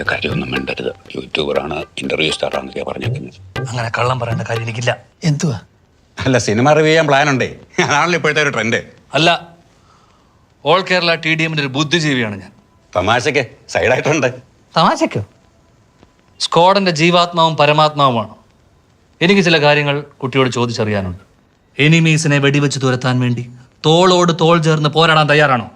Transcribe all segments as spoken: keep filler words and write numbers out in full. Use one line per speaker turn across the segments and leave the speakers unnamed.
കാര്യമൊന്നും വേണ്ടരുത്. യൂട്യൂബറാണ്, ഇന്റർവ്യൂ സ്റ്റാറാന്നൊക്കെയാ പറഞ്ഞേക്കുന്നത്.
അങ്ങനെ കള്ളം പറയേണ്ട കാര്യം എനിക്കില്ല.
എന്തുവാ?
അല്ല, സിനിമ റിവ്യൂ ചെയ്യാൻ പ്ലാൻ ഉണ്ടേ. അതാണല്ലോ ഇപ്പോഴത്തെ ഒരു ട്രെൻഡ്.
അല്ല, ഓൾ കേരള ടി ഡി എമ്മിന്റെ ഒരു ബുദ്ധിജീവിയാണ് ഞാൻ.
തമാശക്ക് സൈഡായിട്ടുണ്ട്.
തമാശക്കോ?
സ്ക്വാഡിന്റെ ജീവാത്മാവും പരമാത്മാവുമാണ്. എനിക്ക് ചില കാര്യങ്ങൾ കുട്ടിയോട് ചോദിച്ചറിയാനുണ്ട്. എനിമീസിനെ വെടിവെച്ച് തുരത്താൻ വേണ്ടി തോളോട് തോൾ ചേർന്ന് പോരാടാൻ തയ്യാറാണോ?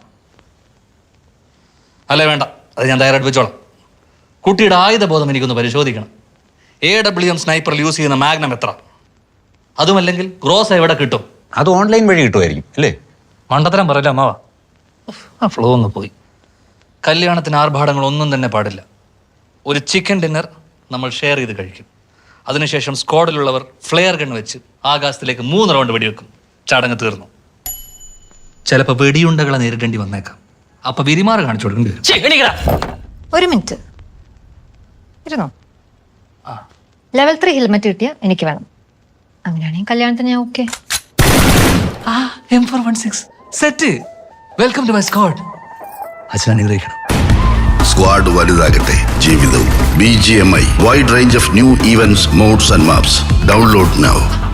അല്ലേ വേണ്ട, അത് ഞാൻ തയ്യാറായിട്ട് വെച്ചോളാം. കുട്ടിയുടെ ആയുധബോധം എനിക്കൊന്ന് പരിശോധിക്കണം. എ ഡബ്ല്യു എം സ്നൈപ്പറിൽ യൂസ് ചെയ്യുന്ന മാഗ്നം എത്ര? അതുമല്ലെങ്കിൽ ഗ്രോസ് എവിടെ കിട്ടും?
അത് ഓൺലൈൻ വഴി കിട്ടുമായിരിക്കും അല്ലേ?
മണ്ടത്തരം പറയില്ല അമ്മാവ. ആ ഫ്ലോ ഒന്ന് പോയി. കല്യാണത്തിന് ആർഭാടങ്ങൾ ഒന്നും തന്നെ പാടില്ല. ഒരു ചിക്കൻ ഡിന്നർ നമ്മൾ ഷെയർ ചെയ്ത് കഴിക്കും. അതിനുശേഷം സ്ക്വാഡിലുള്ളവർ ഫ്ലെയർ ഗൺ വെച്ച് ആകാശത്തിലേക്ക് മൂന്ന് റൗണ്ട് വെടിവെക്കും. ചടങ്ങ് തീർന്നു. ചിലപ്പോൾ വെടിയുണ്ടകളെ നേരിടേണ്ടി വന്നേക്കാം. അപ്പൊ വിരിമാറ് കാണിച്ചു കൊടുക്കേണ്ടി വരും.
ഒരു മിനിറ്റ് ഇരുന്നോ. ലെവൽ ത്രീ ഹെൽമെറ്റ് കിട്ടിയ എനിക്ക് വേണം. അങ്ങനെയാണെങ്കിൽ കല്യാണത്തിന് ഞാൻ ഓക്കെ.
ആ M four one six set. Welcome to my squad. അച്ഛൻ അനുഗ്രഹിക്കണം.
സ്ക്വാഡ് വലുതാകട്ടെ ജീവിതവും. B G M I wide range of new events, mods and maps. Download now.